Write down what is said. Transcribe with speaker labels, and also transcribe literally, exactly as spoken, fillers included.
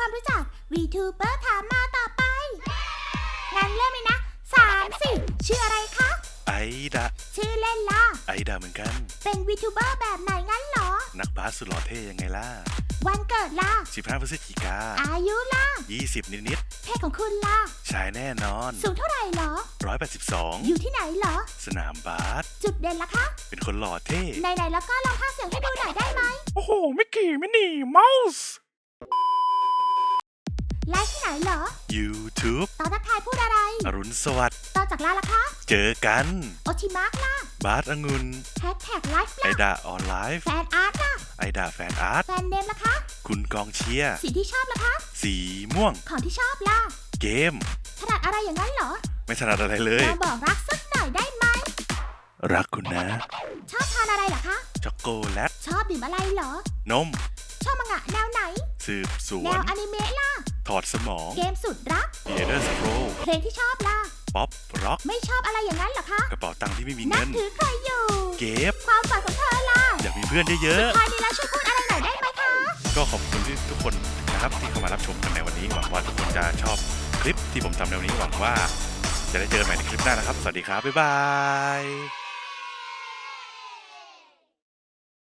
Speaker 1: ความรู้จัก VTuber ถามมาต่อไปงั้นเริ่มเลยนะสามสี่ชื่ออะไรคะ
Speaker 2: ไอดา
Speaker 1: ชื่อเล่นล่ะ
Speaker 2: ไอดาเหมือนกัน
Speaker 1: เป็น VTuber แบบไหนงั้นเหรอ
Speaker 2: นักบาสสุดหล่อเท่ยังไงล่ะ
Speaker 1: วันเกิดล่ะ
Speaker 2: สิบห้าพฤศจิกา
Speaker 1: อายุล่ะ
Speaker 2: ยี่สิบนิด
Speaker 1: ๆเพศของคุณล่ะ
Speaker 2: ชายแน่นอน
Speaker 1: สูงเท่าไหร่เหรอ
Speaker 2: หนึ่งร้อยแปดสิบสอง
Speaker 1: อยู่ที่ไหนเหรอ
Speaker 2: สนามบาส
Speaker 1: จุดเด่นล่ะคะ
Speaker 2: เป็นคนหล่อเท่
Speaker 1: ไหนๆแล้วก็ลองพากย์เสียงให้ดูหน่อยได้ไหม
Speaker 2: โอ้โหมิกกี้มินี่เมาส์
Speaker 1: ไลฟ์ที่ไหนเหรอ
Speaker 2: YouTube
Speaker 1: ตอนทักทายพูดอะไร
Speaker 2: อรุณสวัสดิ์
Speaker 1: ตอนจากลาล่ะคะ
Speaker 2: เจอกัน
Speaker 1: โอชิมาร์กล่ะ
Speaker 2: บาสองุ่น
Speaker 1: แฮชแท็กไลฟ์
Speaker 2: ไอ
Speaker 1: ล่ะ
Speaker 2: ดาออนไลฟ์
Speaker 1: แฟนอาร์ตล่ะ
Speaker 2: ไอดาแฟนอาร์ต
Speaker 1: แฟนเนมล่ะคะ
Speaker 2: คุณกองเชียร์
Speaker 1: สีที่ชอบล่ะคะ
Speaker 2: สีม่วง
Speaker 1: ของที่ชอบล่ะ
Speaker 2: เกม
Speaker 1: ถนัดอะไรอย่างนั้นเหรอ
Speaker 2: ไม่ถนัดอะไรเล
Speaker 1: ล
Speaker 2: ย
Speaker 1: องบอกรักสักหน่อยได้ไหม
Speaker 2: รักคุณนะ
Speaker 1: ชอบทานอะไรเหรอคะ
Speaker 2: ช็อกโกแลต
Speaker 1: ชอบดื่มอะไรเหรอน
Speaker 2: ม
Speaker 1: ชอบมังงะแนวไหน
Speaker 2: สืบสว
Speaker 1: แน
Speaker 2: น
Speaker 1: วอนิเมะล่ะ
Speaker 2: ถอดสมอง
Speaker 1: เกมสุดรัก
Speaker 2: เอเดอร์สโคร
Speaker 1: เพลงที่ชอบล่ะ
Speaker 2: ป๊อปร็อก
Speaker 1: ไม่ชอบอะไรอย่างนั้นเหรอคะ
Speaker 2: กระเป๋าตังค์ที่ไม่มี
Speaker 1: นับ
Speaker 2: เงิน
Speaker 1: ถือใครอยู่
Speaker 2: เก็บ
Speaker 1: ความฝันของเธอล่ะ
Speaker 2: อยากมีเพื่อนเยอะ
Speaker 1: ๆพอดีแล้วช่วยพูดอะไรหน่อยได้ไหมคะ
Speaker 2: ก็ขอบคุณที่ทุกคนนะครับที่เข้ามารับชมกันในวันนี้หวังว่าทุกคนจะชอบคลิปที่ผมทำในวันนี้หวังว่าจะได้เจอกันใหม่ในคลิปหน้านะครับสวัสดีครับบ๊ายบาย